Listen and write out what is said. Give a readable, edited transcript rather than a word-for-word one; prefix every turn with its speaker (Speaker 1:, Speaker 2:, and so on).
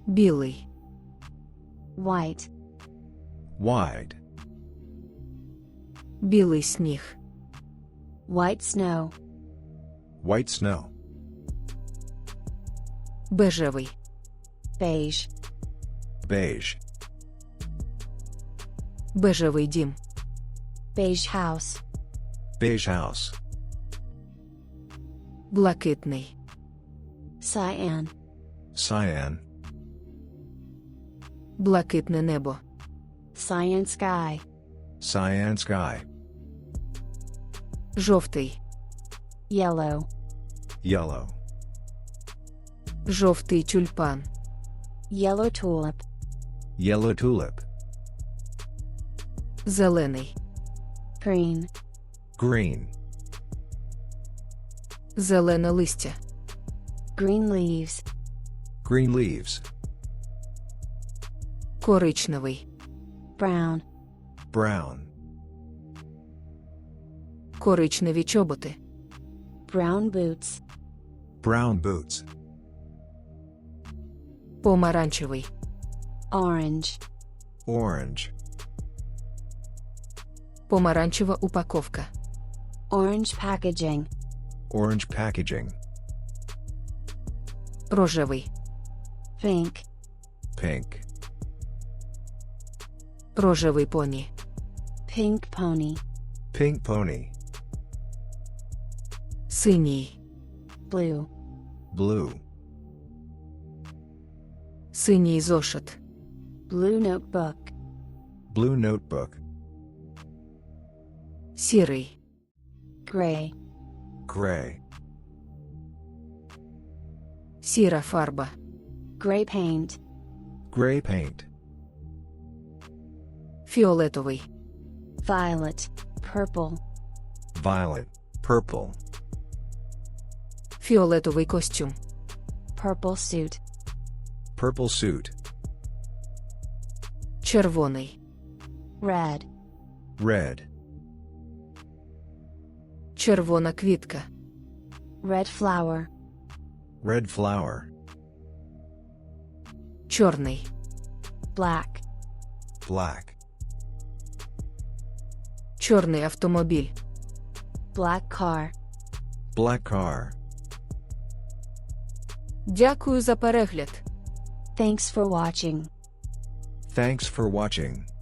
Speaker 1: Білий.
Speaker 2: White.
Speaker 3: Wide.
Speaker 1: Білий сніг.
Speaker 2: White snow.
Speaker 3: White snow.
Speaker 1: Бежевий.
Speaker 2: Beige.
Speaker 3: Beige.
Speaker 1: Бежевий дім.
Speaker 2: Beige house.
Speaker 3: Beige house.
Speaker 1: Блакитний.
Speaker 2: Cyan.
Speaker 3: Cyan.
Speaker 1: Блакитне небо.
Speaker 2: Cyan sky.
Speaker 3: Cyan sky.
Speaker 1: Жовтий.
Speaker 2: Yellow.
Speaker 3: Yellow.
Speaker 1: Жовтий тюльпан.
Speaker 2: Yellow tulip.
Speaker 3: Yellow tulip.
Speaker 1: Зелений.
Speaker 2: Green.
Speaker 3: Green.
Speaker 1: Зелене листя.
Speaker 2: Green leaves.
Speaker 3: Green leaves.
Speaker 1: Коричневий.
Speaker 2: Brown.
Speaker 3: Brown.
Speaker 1: Коричневі чоботи.
Speaker 2: Brown boots.
Speaker 3: Brown boots.
Speaker 1: Помаранчевий.
Speaker 2: Orange.
Speaker 3: Orange.
Speaker 1: Помаранчева упаковка.
Speaker 2: Orange packaging.
Speaker 3: Orange packaging.
Speaker 1: Рожевий.
Speaker 2: Pink.
Speaker 3: Pink.
Speaker 1: Рожевий поні.
Speaker 2: Pink pony.
Speaker 3: Pink pony.
Speaker 1: Синій.
Speaker 2: Blue.
Speaker 3: Blue.
Speaker 1: Синій зошит.
Speaker 2: Blue notebook.
Speaker 3: Blue notebook.
Speaker 1: Сірий.
Speaker 2: Gray.
Speaker 3: Gray.
Speaker 1: Сіра фарба.
Speaker 2: Gray paint.
Speaker 3: Gray paint.
Speaker 1: Фіолетовий.
Speaker 2: Violet. Purple.
Speaker 3: Violet. Purple.
Speaker 1: Фіолетовий костюм.
Speaker 2: Purple suit.
Speaker 3: Purple suit.
Speaker 1: Червоний.
Speaker 2: Red.
Speaker 3: Red.
Speaker 1: Червона квітка.
Speaker 2: Red flower.
Speaker 3: Red flower.
Speaker 1: Чорний.
Speaker 2: Black.
Speaker 3: Black.
Speaker 1: Чорний автомобіль.
Speaker 2: Black car.
Speaker 3: Black car.
Speaker 1: Дякую за перегляд.
Speaker 2: Thanks for watching.
Speaker 3: Thanks for watching.